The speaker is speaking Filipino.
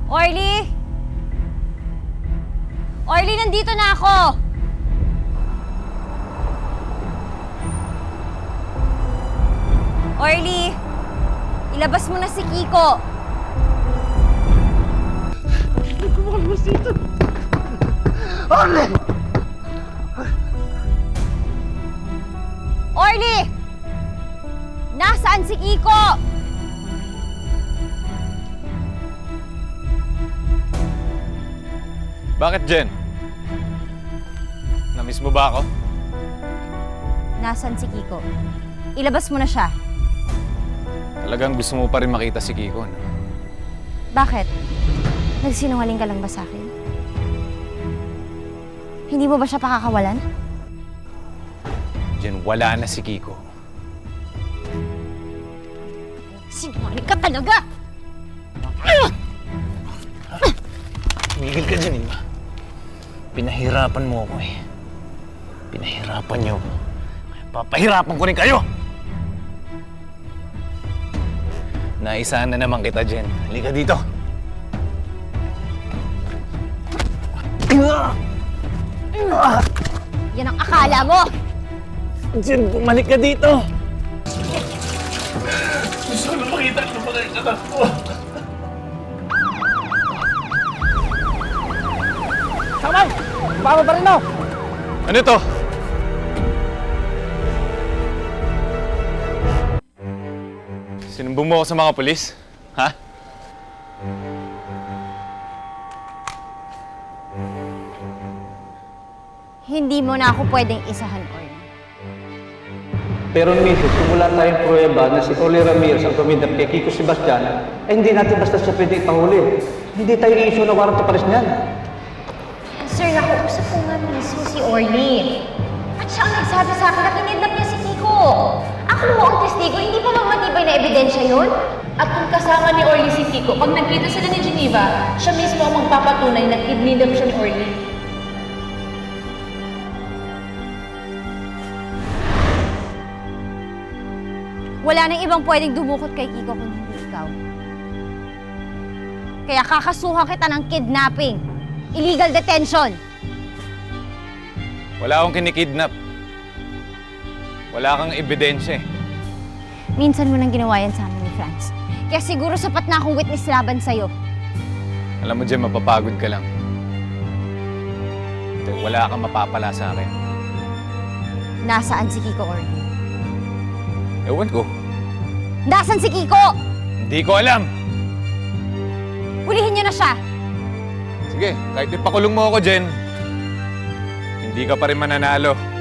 Orly! Orly, nandito na ako! Orly! Ilabas mo na si Kiko! Kumakalabas dito! Orly! Orly! Nasaan si Kiko? Bakit, Jen? Namiss mo ba ako? Nasaan si Kiko? Ilabas mo na siya. Talagang gusto mo pa rin makita si Kiko, no? Bakit? Nagsinungaling ka lang ba sa akin? Hindi mo ba siya pakakawalan? Jen, wala na si Kiko. Sinungaling ka talaga! Tumigil ka dyan, Ima. Pinahirapan mo ako eh. Pinahirapan niyo ako. Kaya papahirapan ko rin kayo! Naisahan na naman kita, Jen. Halika dito. Yan ang akala mo! Jen, bumalik ka dito! Gusto ko makita ko pa kayo anak ko. Samay! Baba pa rin mo! Ano to? Sinumbong mo ako sa mga pulis? Ha? Hindi mo na ako pwedeng isahan, Orly. Pero Mrs., kung wala tayong pruweba na si Orly Ramirez ang tumindap kay Kiko Sebastian, ay hindi natin basta siya pwede ipahuli. Hindi tayo i-issue na warrant of arrest niyan. Sir, nakuusap ko nga mismo si Orly. At siya ang nagsabi sa akin na kinidnap niya si Kiko. Ako ho ang testigo, hindi pa mamatibay na ebidensya yun? At kung kasama ni Orly si Kiko, pag nagkita sila ni Geneva, siya mismo ang magpapatunay na kidnap siya ni Orly. Wala nang ibang pwedeng dumukot kay Kiko kung hindi ikaw. Kaya kakasuhan kita ng kidnapping. Illegal detention. Wala akong kinikidnap. Wala kang ebidensya eh. Minsan mo nang ginawa yan sa amin ni Franz. Kaya siguro sapat na akong witness laban sa'yo. Alam mo, Jen, mapapagod ka lang. Dahil wala kang mapapala sa akin. Nasaan si Kiko, Orly? Ewan ko. Nasaan si Kiko? Hindi ko alam. Hulihin niyo na siya. Sige, kahit ipakulong mo ako, Jen, hindi ka pa rin mananalo.